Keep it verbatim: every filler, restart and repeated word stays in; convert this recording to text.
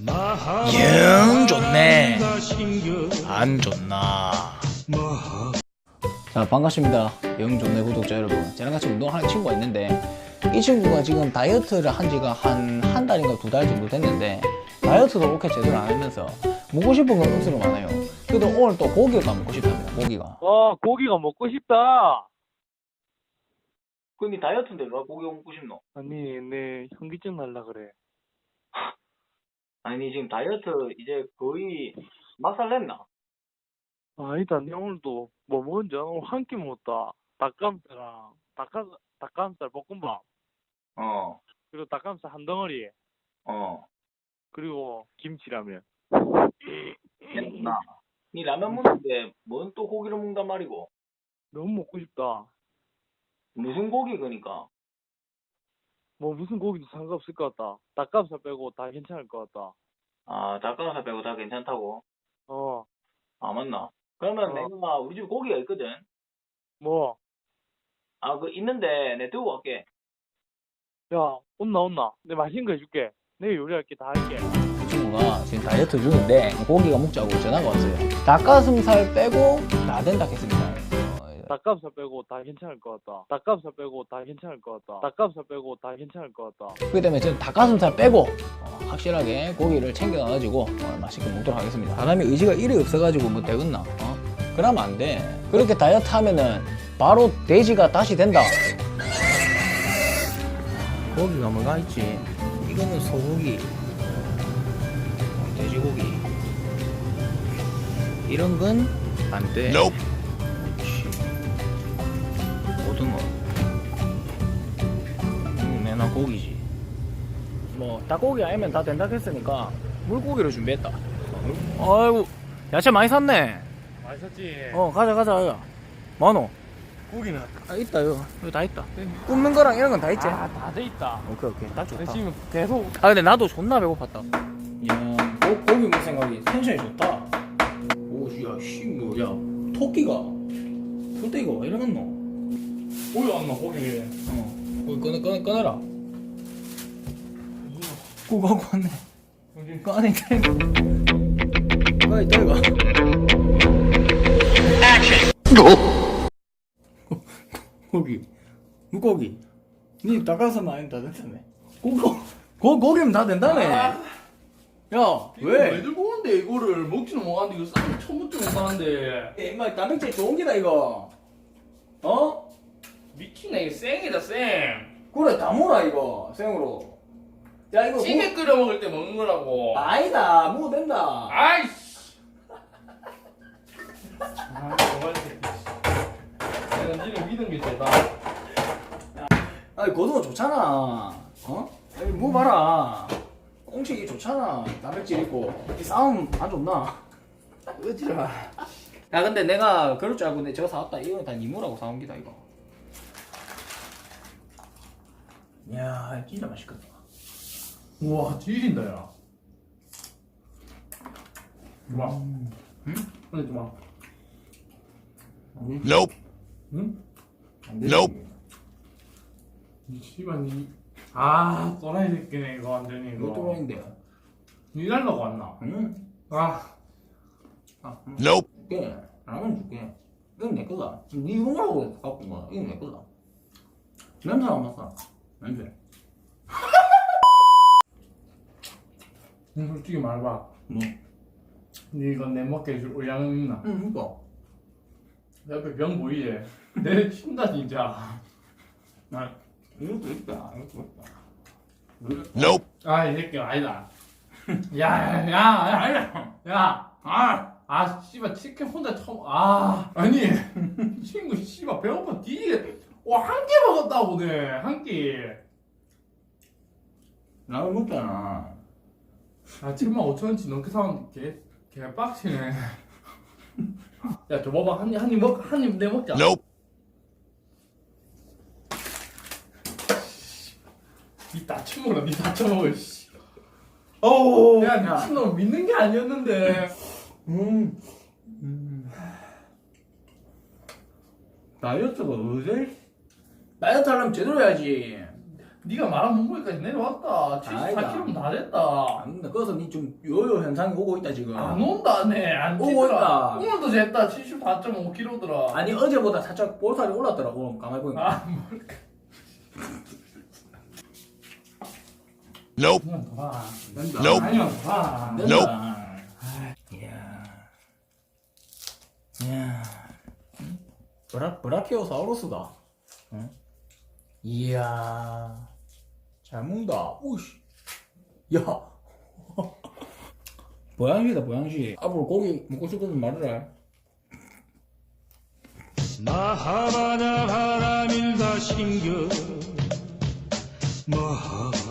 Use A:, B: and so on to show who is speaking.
A: 영 좋네. 안 좋나. 자, 반갑습니다. 영 좋네 구독자 여러분. 저랑 같이 운동하는 친구가 있는데 이 친구가 지금 다이어트를 한 지가 한 한 달인가 두 달 정도 됐는데 다이어트도 그렇게 제대로 안 하면서 먹고 싶은 건 억수로 많아요. 그래도 오늘 또 고기가 먹고 싶답니다. 고기가.
B: 와, 고기가 먹고 싶다.
A: 근데 다이어트인데 왜 고기 먹고 싶노?
B: 아니, 내 현기증 날라 그래.
A: 아니 지금 다이어트 이제 거의 맛살 냈나?
B: 아니다, 내 오늘도 뭐 먹은지 알아? 오늘 한 끼 먹었다. 닭가슴살랑 닭가 닭가슴살 볶음밥,
A: 어,
B: 그리고 닭가슴살 한 덩어리,
A: 어.
B: 그리고 김치라면.
A: 나. 니 라면 먹는데 뭔 또 고기를 먹는단 말이고?
B: 너무 먹고 싶다.
A: 무슨 고기 그니까?
B: 뭐 무슨 고기도 상관없을 것 같다. 닭가슴살 빼고 다 괜찮을 것 같다.
A: 아, 닭가슴살 빼고 다 괜찮다고?
B: 어,
A: 아, 맞나? 그러면
B: 어.
A: 내가 우리 집에 고기가 있거든?
B: 뭐,
A: 아, 그 있는데 내가 들고 갈게.
B: 야, 온나 온나. 내 맛있는 거 해줄게. 내가 요리할게, 다 할게.
A: 그 친구가 지금 다이어트 중인데 고기가 먹자고 전화가 왔어요. 닭가슴살 빼고 다 된다 했습니다. 어,
B: 닭가슴살 빼고 다 괜찮을 것 같다. 닭가슴살 빼고 다 괜찮을 것 같다. 닭가슴살 빼고 다 괜찮을 것 같다.
A: 그렇기 때문에 저는 닭가슴살 빼고 어, 확실하게 고기를 챙겨가지고 어, 맛있게 먹도록 하겠습니다. 사람이 의지가 일이 없어가지고 뭐 되겠나? 어? 그러면 안 돼. 그렇게 다이어트 하면은 바로 돼지가 다시 된다. 고기가 뭐가 있지? 이거는 소고기, 어, 돼지고기. 이런 건 안 돼. Nope. 고등어. 음, 내나 고기지. 뭐 닭고기 아니면 다 된다 했으니까 물고기를 준비했다. 아이고 야채 많이 샀네.
B: 맛있었지?
A: 어 가자 가자 가자. 많어.
B: 고기는?
A: 아 있다 이거 이거 다 있다. 굽는 거랑 이런 건 다 있지.
B: 아, 다 돼 있다.
A: 오케이 오케이 딱 좋다.
B: 근데 지금 계속.
A: 아 근데 나도 존나 배고팠다. 야 고, 고기 먹을 생각이 텐션이 좋다. 오야 씨 뭐야 토끼가 풀떼기가 왜 이러겠노?
B: 오이 안 나, 고기.
A: 어 고기 꺼내 꺼내 꺼내라. 고기 갖고 왔네.
B: 여기.
A: 꺼내 꺼내. 꺼내 있다 이거. 고기 물고기 니 닭가슴살 아니면 다 된다며. 고기 고, 고기면 다 된다며. 야
C: 왜
A: 왜?
C: 들고 오는데 이거를 먹지는 못하는데 이거 쌈 처음 먹지 못하는데
A: 임마 단백질 좋은 기다 이거. 어?
C: 미치네 이거 생이다 생
A: 그래 다 몰아 이거 생으로. 야 이거
C: 찌개
A: 뭐-
C: 끓여 먹을 때 먹는 거라고
A: 아니다 먹어도 된다.
C: 아이씨 아 정말 내가 니를 믿은 게 대다
A: 아니 고등어 좋잖아. 어? 아니 뭐 봐라 꽁치기 좋잖아. 단백질 있고 이 싸움 안 좋나?
C: 어지라
A: 야 근데 내가 그럴 줄 알고 내 저거 사왔다. 이거는 다 니모라고 사온 기다 이거. 이야 진짜 맛있겠다.
C: 우와 뒤진다 야 좋아
A: 응?
C: 근데 좋아
A: Nope.
C: 응?
A: Nope.
C: 이 씨발 니아 또라이 새끼네 이거 완전히 이거
A: 이것도 뭐인데?
C: 일하려고 왔나
A: 응?
C: 아
A: 아, Nope. 줄게. 라면 줄게. 이건 내 거다. 니 이거라고 갖고 온 거야. 이건 내 거다. 냄새 안 맡아. 냄새.
C: 응, 솔직히 말해봐
A: 뭐?
C: 니 이거 내 먹게 해줄 의향은 있나?
A: 응, 이거.
C: 옆에 병 보이지? 내 친다 진짜
A: 나 이것도 있다. 이것도 있다.
C: Nope. 아, 이 새끼 아니다. 야, 야, 야, 아니다. 야, 아, 아, 씨발 치킨 혼자 처음. 아, 아니, 친구 씨발 배고파 뒤지게. 와, 한 끼 먹었다고 네, 한 끼.
A: 라면 먹잖아.
C: 아, 칠만 오천 원치 넘게 사온 개, 개 빡치네. 야, 저 봐봐, 한 입, 한 입 먹, 한 입 내 먹자.
A: Nope.
C: 니 다쳐먹어, 니 다쳐먹어, 씨. 어우, 야,
A: 야.
C: 미친놈 믿는 게 아니었는데.
A: 음. 음.
C: 다이어트가 어제?
A: 다이어트 하려면 제대로 해야지.
C: 네가 말한 몸무게까지 내려왔다. 칠십사 킬로그램 다 됐다.
A: 안 된다. 그래서 니 좀 요요 현상이 오고 있다 지금.
C: 안 온다네. 안
A: 오고
C: 찌더라.
A: 있다.
C: 오늘도 쟀다. 칠십사 점 오 킬로그램더라.
A: 아니 어제보다 살짝 볼살이 올랐더라고. 가만히 보니까.
C: 아, 뭘까.
D: Nope.
C: 아니면 더 봐.
A: 된다.
D: Nope.
C: 아니면 더 봐.
A: 안
D: Nope.
A: 된다. 이야. 이야. 응? 브라 브라키오사우루스다. 응? 이야. 잘 먹는다. 오씨. 야. 보양식이다 보양식. 앞으로 고기 먹고 싶으면 말해라.
E: 마하바다 바람일다 신겨 마하